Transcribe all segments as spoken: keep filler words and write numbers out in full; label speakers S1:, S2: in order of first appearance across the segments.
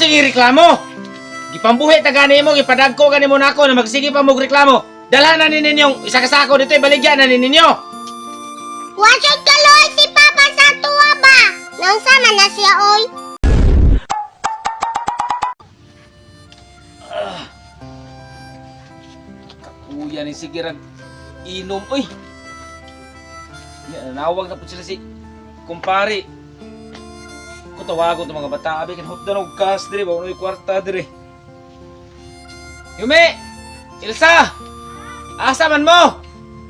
S1: sige reklamo. Gipambuhi ta gani mo, gipadagko gani mo nako na magsige pa mo reklamo. Dalhan na ninyong isa ka sako dito ibaligyan na ninyo.
S2: Wasod kaloy si Papa sa tuwa ba? Nang sama na siya oy.
S1: Kakuya ni sige rag inom oy. Ya, nawag na po sila si kumpare. Ko tawagon to mga bata, abi kan hotdan og gas dire, ba unoy kwarta dire. Yume! Ilsa! Asa man mo?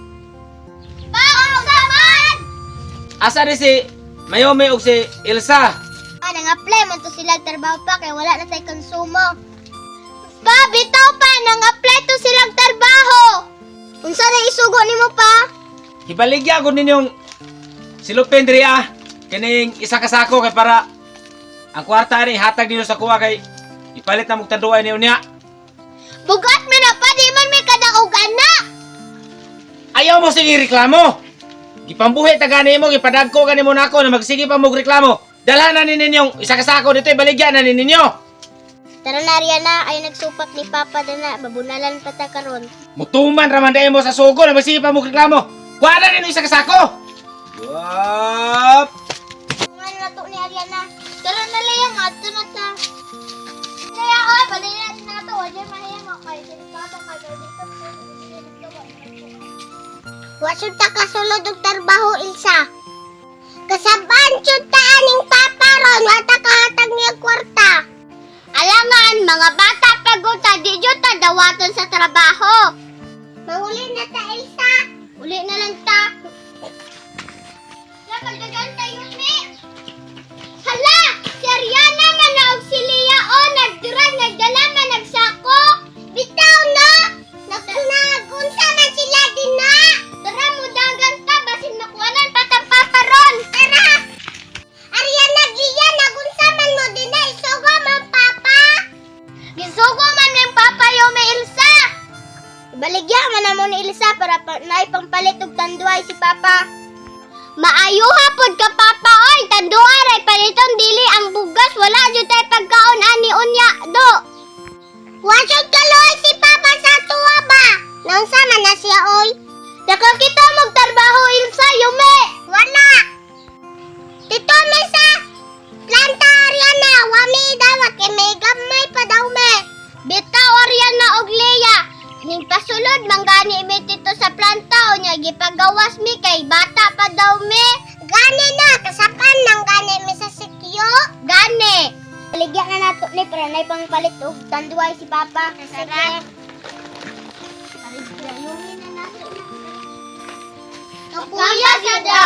S2: Pao saman!
S1: Asa di si Mayome ug si Ilsa?
S2: Ah, nang-apply man to sila trabaho pa kay wala na tay konsumo. Pa, bitaw pa nang-apply to silang trabaho. Unsa na isugo nimo pa?
S1: Ibaligya ko ninyong silupin diri ah. Kining isa ka sako kay para ang kwarta ni hatag ninyo sa kuha kay ipalit na mong tanduay niyo niya.
S2: Bugat man na pa, di man may kadaugan na.
S1: Ayaw mo sige reklamo. Gipambuhi ta gani mo, gipadagko gani mo nako na magsige pa mo reklamo. Dalhan na ninyong isa ka sako dito ibaligyan na ninyo.
S2: Tara na Riana, ay nagsupak ni Papa na babunalan pa ta karon.
S1: Mutuman raman dai mo sa sugo na magsige pa mo reklamo. Kuha na ninyo isa ka sako. Wap!
S2: Ano na to ni Ariana? Tara na Leia, ato na ta. Leia, oy, balay natin na to. Wala mahiyang ako kayo. Delikado kayo. Wasod ta kasulod og trabaho, Ilsa. Kasaban jud ta aning Papa ron, wata kahatag niya kwarta. Alangan, mga bata pagod ta, di jud ta dawaton sa trabaho. Mahuli na ta, Ilsa. Uli na lang ta. Nagdagan tayo, Mi. Hala! Si Ariana man na og si Leia o nagdurag, nagdala man nagsako. Bitaw na! Nagkunag-unsa man sila din na. Tara mo dagan ta, basin makuanan patang Papa ron. Tara! Ariana, Leia, nagunsa man mo din na. Isugo man Papa. Gisugo man ng Papa yung may Ilsa. Ibaligya man na mo ni Ilsa para pa, naipangpalit og tanduay si Papa. Maayo hapon ka Papa oy, tanduan ay paliton dili ang bugas, wala jud tay pagkaon ani unya do. Wasod kaloy si Papa sa tuwa ba? Nang sama na siya oy. Nakakita magtrabaho Ilsa yume. Wala. Tito me sa planta Ariana, wami dawat kay may gamay pa daw me. Bitaw Ariana og Leia. Ning pasulod manggani mi dito sa planta o nya gipagawas mi kay bata pa daw mi. Gani na kasapan nang gani mi sa sikyo. Gani. Baligyan na nato ni para nay pangpalit og tanduay si Papa. Sige. Kapuya sa